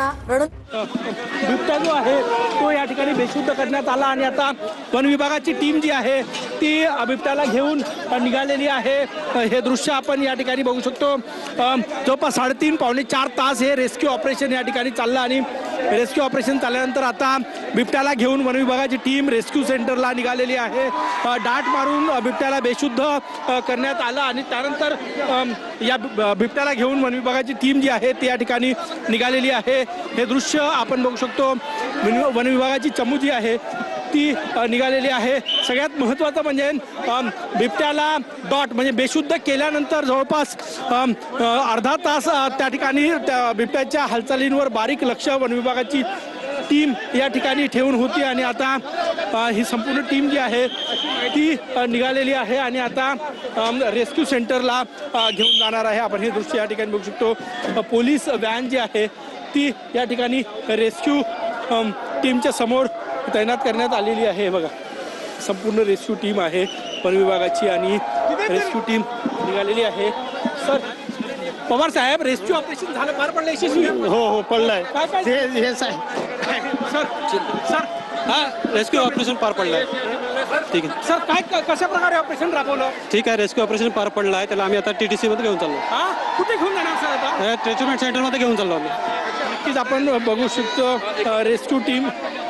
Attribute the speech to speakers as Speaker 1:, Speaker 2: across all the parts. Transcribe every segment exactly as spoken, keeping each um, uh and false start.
Speaker 1: असताना रण
Speaker 2: बिबट्या जो आहे तो या ठिकाणी बेशुद्ध करण्यात आला आणि आता वन विभागाची टीम जी आहे ती बिबट्याला घेऊन निघालेली आहे। हे दृश्य आपण या ठिकाणी बघू शकतो। जवळपास साडेतीन पावणे चार तास हे रेस्क्यू ऑपरेशन या ठिकाणी चाललं आणि रेस्क्यू ऑपरेशन चालल्यानंतर आता बिबट्याला घेऊन वन विभागाची टीम रेस्क्यू सेंटरला निघालेली आहे। डाट मारून बिबट्याला बेशुद्ध करण्यात आलं आणि त्यानंतर या बिबट्याला घेऊन वन विभागाची टीम जी आहे ती या ठिकाणी निघालेली आहे। हे दृश्य आपण बघू शकतो। वन विभागाची चमू जी आहे ती निघालेली आहे। सगळ्यात महत्त्वाचं म्हणजे बिबट्याला डॉट म्हणजे बेशुद्ध केल्यानंतर जवळपास अर्धा तास त्या ठिकाणी त्या बिबट्याच्या हालचालींवर बारीक लक्ष वन विभागाची टीम या ठिकाणी ठेवून होती आणि आता ही संपूर्ण टीम जी आहे ती निघालेली आहे आणि आता रेस्क्यू सेंटरला घेऊन जाणार आहे। आपण हे दृश्य या ठिकाणी बघू शकतो। पोलीस व्हॅन जी आहे ती या ठिकाणी रेस्क्यू टीमच्या समोर तैनात करण्यात आलेली आहे। बघा संपूर्ण रेस्क्यू टीम आहे वन विभागाची आणि रेस्क्यू टीम निघालेली आहे। सर पवार साहेब रेस्क्यू ऑपरेशन झालं पार पडलं यशस्वी?
Speaker 3: हो हो पडलंय
Speaker 2: काय काय
Speaker 3: हे हे साहेब
Speaker 2: सर सर
Speaker 4: हा रेस्क्यू ऑपरेशन पार पडलंय। ठीक आहे
Speaker 2: सर काय कशा प्रकारे ऑपरेशन राबवलं?
Speaker 4: ठीक आहे रेस्क्यू ऑपरेशन पार पडलं आहे। त्याला आम्ही आता टी टी सी मध्ये घेऊन चाललो।
Speaker 2: हा कुठे घेऊन जाणार सर आता?
Speaker 4: ट्रीटमेंट सेंटरमध्ये घेऊन चाललो आम्ही।
Speaker 2: नक्कीच आपण बघू शकतो रेस्क्यू टीम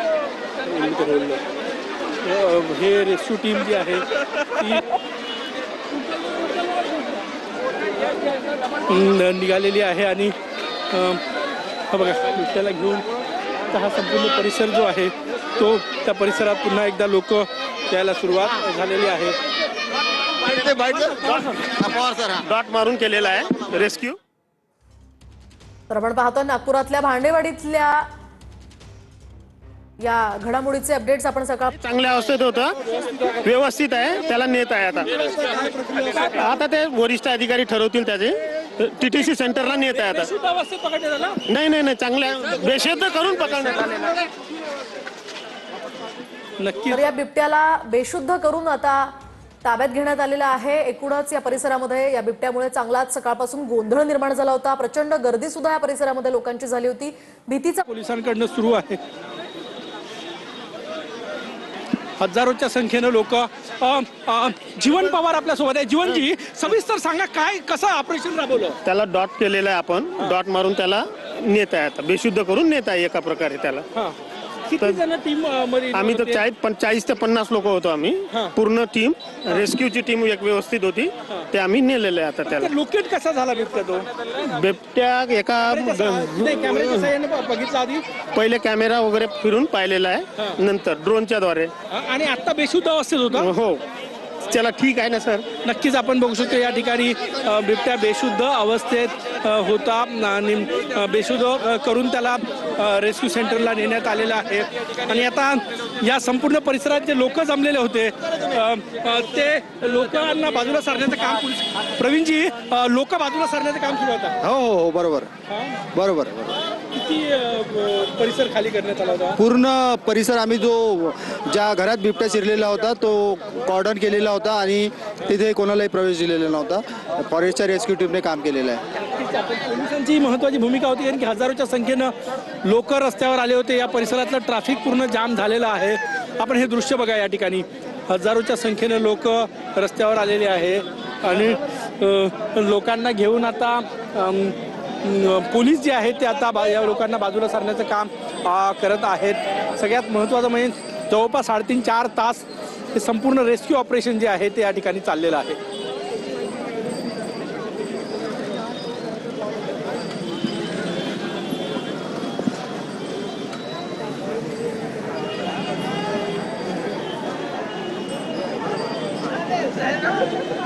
Speaker 2: हे रेस्क्यू टीम जी आहे ती निघालेली आहे आणि हा बघा बिबट्याला घेऊन हा संपूर्ण परिसर जो आहे तो त्या परिसरात पुन्हा एकदा लोक यायला सुरुवात झालेली आहे।
Speaker 3: डॉट मारून केलेला आहे रेस्क्यू।
Speaker 1: तर आपण पाहतो नागपुरातल्या भांडेवाडीतल्या या घडामोडीचे अपडेट्स आपण सकाळ
Speaker 3: चांगल्या अवस्थेत होतं, व्यवस्थित आहे, त्याला नेत आहे आता आता ते वरिष्ठ अधिकारी ठरवतील त्याचे टीटीसी सेंटरला नेत आहे आता। नाही नाही नाही चांगल्या बेशुद्ध करून पकडण्यात आलेला।
Speaker 2: नक्की
Speaker 1: तर या बिबट्याला बेशुद्ध करून आता ताब्यात घेण्यात आलेला आहे। एकूणच या परिसरामध्ये या बिबट्यामुळे चांगलाच सकाळपासून गोंधळ निर्माण झाला होता। प्रचंड गर्दी सुद्धा या परिसरामध्ये लोकांची झाली होती। भीतीचा
Speaker 2: पोलिसांकडून सुरू आहे। हजारोच्या संख्येनं लोक जीवन पवार आपल्या सोबत आहे। जीवनजी सविस्तर सांगा काय कसं ऑपरेशन राबवलं?
Speaker 3: त्याला डॉट केलेला आहे आपण, डॉट मारून त्याला नेत आहे आता, बेशुद्ध करून नेत आहे एका प्रकारे त्याला।
Speaker 2: किती जण टीम मध्ये?
Speaker 3: आम्ही तर चाळीस पंचाळीस ते पन्नास लोक होतो आम्ही, पूर्ण टीम रेस्क्यूची टीम एक व्यवस्थित होती, ते आम्ही नेलेलं आहे आता त्याला।
Speaker 2: लोकेट कसा झाला बिबट्या तो?
Speaker 3: बिबट्या एका
Speaker 2: कॅमेऱ्याच्या साहाय्याने बघितला आधी?
Speaker 3: पहिले कॅमेरा वगैरे फिरून पाहिलेला आहे, नंतर ड्रोनच्या द्वारे।
Speaker 2: आणि आता बेशुद्ध अवस्थेत होता?
Speaker 3: हो चला ठीक आहे ना सर।
Speaker 2: नक्कीच आपण बघू शकतो या ठिकाणी बिबट्या बेशुद्ध अवस्थेत होता आणि बेशुद्ध करून त्याला रेस्क्यू सेंटरला नेण्यात आलेला आहे आणि आता या संपूर्ण परिसरात जे लोक जमलेले होते ते लोकांना बाजूला सारण्याचं काम पोलीस प्रवीणजी लोक बाजूला सारण्याचं काम सुरू होतं?
Speaker 5: हो हो बरोबर बरोबर।
Speaker 2: किती परिसर खाली करण्यात आला होता?
Speaker 5: पूर्ण परिसर आम्ही जो ज्या घरात बिबट्या शिरलेला होता तो कॉर्डन केलेला होता आणि तिथे कोणालाही प्रवेश दिलेला नव्हता। फॉरेस्टच्या रेस्क्यू टीमने काम केलेलं आहे।
Speaker 2: पोलिसांची महत्त्वाची भूमिका होती कारण की हजारोच्या संख्येनं लोक रस्त्यावर आले होते। या परिसरातलं ट्रॅफिक पूर्ण जाम झालेलं आहे। आपण हे दृश्य बघा या ठिकाणी हजारोच्या संख्येनं लोक रस्त्यावर आलेले आहे आणि लोकांना घेऊन आता पोलीस जे आहेत ते आता या लोकांना बाजूला सारण्याचं काम करत आहेत। सगळ्यात महत्त्वाचं म्हणजे जवळपास साडेतीन चार तास हे संपूर्ण रेस्क्यू ऑपरेशन जे आहे ते या ठिकाणी चाललेलं आहे।
Speaker 6: Thank you.